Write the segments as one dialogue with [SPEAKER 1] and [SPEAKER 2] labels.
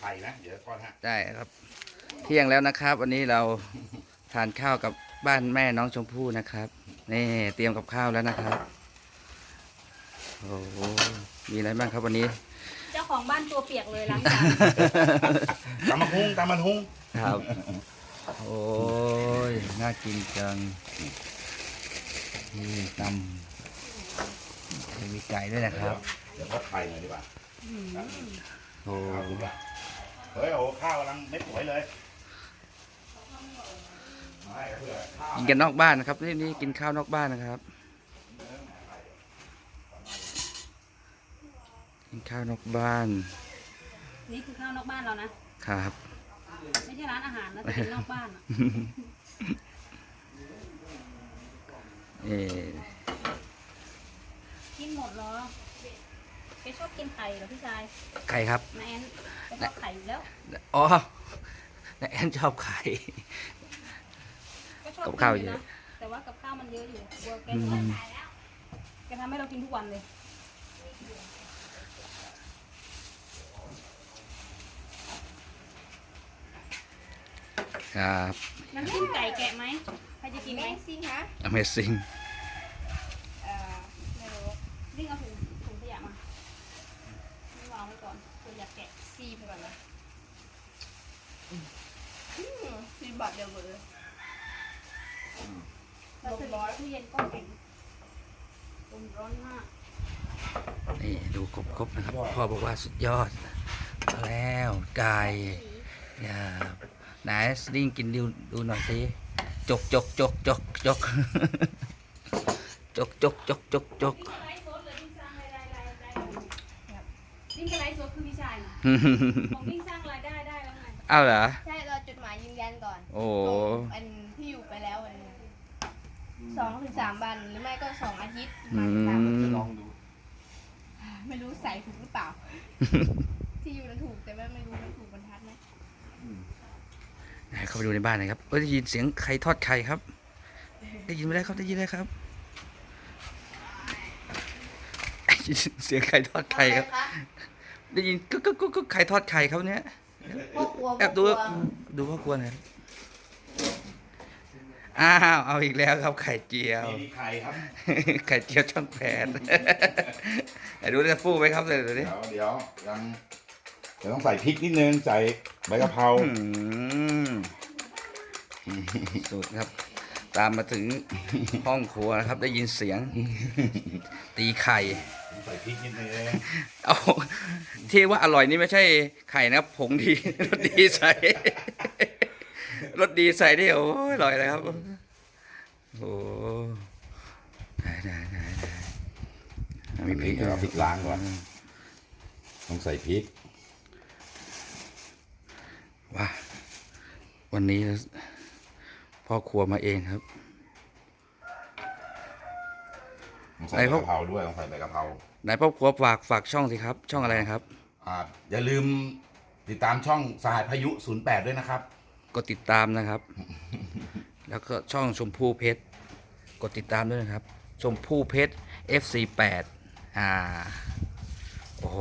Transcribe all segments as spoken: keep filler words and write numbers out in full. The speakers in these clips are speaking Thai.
[SPEAKER 1] ข่นะเดี๋ยวทอดฮะ
[SPEAKER 2] ได้ครับเที่ยงแล้วนะครับวันนี้เราทานข้าวกับบ้านแม่น้องชมพู่นะครับนี่เตรียมกับข้าวแล้วนะครับโอ้โหมีอะไรบ้างครับวันนี้
[SPEAKER 3] เจ้าของบ้านตัวเปียกเลยล้างจาน
[SPEAKER 1] ตำมะฮุงตำมะฮุง
[SPEAKER 2] ครับโอ้ยน่ากินจังนี่ตำมีไก่ด้วยนะครับ
[SPEAKER 1] เดี๋ยวทอดไข่หน่อยดีกว่า
[SPEAKER 2] โอ้
[SPEAKER 1] เฮ้ยโอ้ข้าวกำลังไม่สวยเลยไม่เพื่อข้าว
[SPEAKER 2] กินกันนอกบ้านนะครับนี่นี่กินข้าวนอกบ้านนะครับกินข้าวนอกบ้าน
[SPEAKER 3] นี่คือข้าวนอกบ้านเรานะครับ ไม่ใช่ร้านอาหารนะแต่เป็นนอกบ้านอะ
[SPEAKER 2] เออ
[SPEAKER 3] กินหมดเหรอแกชอบกินไข่เหรอพี่ชาย
[SPEAKER 2] ไข่ครับ
[SPEAKER 3] นายแอนแกชอบไข่อยู่แล้ว
[SPEAKER 2] อ๋อแอนชอบไข่
[SPEAKER 3] ก็ชอบ
[SPEAKER 2] กับ
[SPEAKER 3] กิน
[SPEAKER 2] ข้าว
[SPEAKER 3] อยู่
[SPEAKER 2] เย
[SPEAKER 3] นะ
[SPEAKER 2] อะ
[SPEAKER 3] แต่ว่ากับข้าวมันเยอะอยู่กลัวแก
[SPEAKER 2] อื
[SPEAKER 3] จะ
[SPEAKER 2] ม
[SPEAKER 3] แกทำให้เรากินทุกวันเลย
[SPEAKER 2] ครับ
[SPEAKER 3] น้ำจิ้มไก่แกะไหมใครจะกินไหม
[SPEAKER 4] ซิงคะ
[SPEAKER 2] Amazing
[SPEAKER 4] เอ่อไม่รู้
[SPEAKER 3] วิ่งเอาถุงถุงขยะมานี่วางไว้ก่อนเผื่ออยากแกะ
[SPEAKER 4] ซีไปก่อนนะอืมซีบัตรเดียวหมดเลย
[SPEAKER 3] เราถึงตู้เย็นก็แข็งลมร้อนมาก
[SPEAKER 2] นี่ดูครบๆนะครับพ่อบอกว่าสุดยอดมาแล้วไก่อย่าไหนสลิงกินดูดูหน่อยสิจกจกจกจกจกจกจกจกจกจก
[SPEAKER 3] วิ่งกระไรสดคือพี่ชายนะของวิ่งสร้างรายได้ได้แล้วไง
[SPEAKER 2] อ้าวเหรอ
[SPEAKER 4] ใช่เราจดหมายยืนยันก่อน
[SPEAKER 2] โอ้
[SPEAKER 4] ส่งอันที่อยู่ไปแล้วอันนี้สองถึงสามวันหรือไม่ก็สองอาทิตย์
[SPEAKER 2] อื
[SPEAKER 4] สามอาทิตย์
[SPEAKER 2] ม
[SPEAKER 1] ลองดู
[SPEAKER 4] ไม่รู้ใส่ถูกหรือเปล่า ที่อยู่นั้นถูกแต่ว่าไม่รู้มันถูกบรรทัดไหม
[SPEAKER 2] ไหนเข้าไปดูในบ้านหน่อยครับเอ้ยได้ยินเสียงใครทอดไข่ครับ ได้ยินไหมได้ครับได้ยินไหมครับได้ยินเสียงไข่ทอดไข่ครับ ได้ยินก็ก็ก็ก็ไข่ทอดไข่เขาเนี้ย
[SPEAKER 4] พ่อครัว
[SPEAKER 2] แอบดู
[SPEAKER 4] พ่อครัว
[SPEAKER 2] ดูพ่อครัวหน่อยอ้าวเอาอีกแล้วครับไข่เจียว
[SPEAKER 1] นี่มีไข่ครับ
[SPEAKER 2] ไข่เจียวช่องแปดไหนดูจะฟูไหมครับเลยดูดิ
[SPEAKER 1] เดี๋ยวเดี๋ยวยังเดี๋ยวต้องใส่พริกนิดนึงใส่ใบกะเพรา
[SPEAKER 2] อืมสุดครับ ตามมาถึงห้องครัวนะครับ ได้ยินเสียง ตีไข่
[SPEAKER 1] ใส่พริกนิดนึง
[SPEAKER 2] เอาที่ว่าอร่อยนี่ไม่ใช่ไข่นะครับผงดี รสดีใส่ รสดีใส่นี่โอ้ยอร่อยเลยครับโอ้ได้ได้ได้ได้มีพริก
[SPEAKER 1] เดี๋ยวเอาพริกล้างก่อนต้องใส่พริก
[SPEAKER 2] ว้าวันนี้พ่อครัวมาเองครับ
[SPEAKER 1] ต้องใส่ใบกะเพราด้วยต้องใส่ใบกะเพรา
[SPEAKER 2] ไหนพ่อครัวฝากฝากช่องสิครับ ช่องอะไรนะครับ
[SPEAKER 1] อ่าอย่าลืมติดตามช่องสหายพายุศูนย์แปดด้วยนะครับ
[SPEAKER 2] กดติดตามนะครับ แล้วก็ช่องชมพู่เพชรกดติดตามด้วยนะครับ ชมพู่เพชร เอฟ ซี แปด อ่าโอ้โห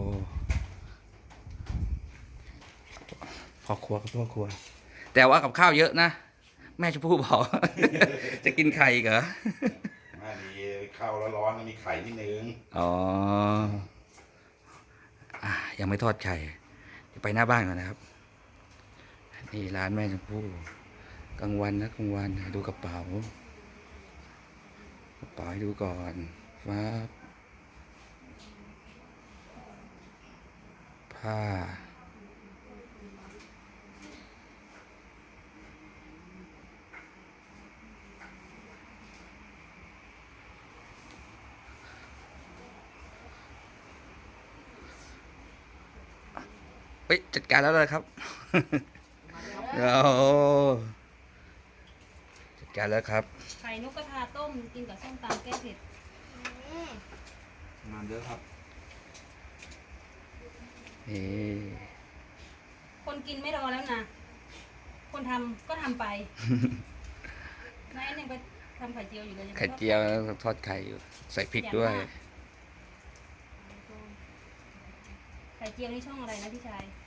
[SPEAKER 2] พ่อครัวครับพ่อครัว แต่ว่ากับข้าวเยอะนะ แม่ชมพู่บอก จะกินไข่อีกเหรอ
[SPEAKER 1] อ่าดีข้าวร้อนๆมีไข่นิดนึง
[SPEAKER 2] อ๋ออ่ะยังไม่ทอดไข่เดี๋ยวไปหน้าบ้านก่อนนะครับ นี่ร้านแม่ชมพู่กลางวันนะกลางวันดูกระเป๋ากระเป๋าให้ดูก่อนฟ้าผ้าเฮ้ยจัดการแล้วเลยครับ โอ้จัดการแล้วครับ
[SPEAKER 3] ไข่นกกระทาต้มกินกับส้มตำแก้เผ็ด
[SPEAKER 4] อืม
[SPEAKER 1] งานเยอะครับ
[SPEAKER 2] นี่
[SPEAKER 3] คนกินไม่รอแล้วนะคนทำก็ทำไป นายยังไปทำไข่เจียวอยู่เลยง
[SPEAKER 2] ไข่เจียวทอดไข่อยู่ใส่พริกด้วย
[SPEAKER 3] ไข่เจียวนี่ช่องอะไรนะพี่ชาย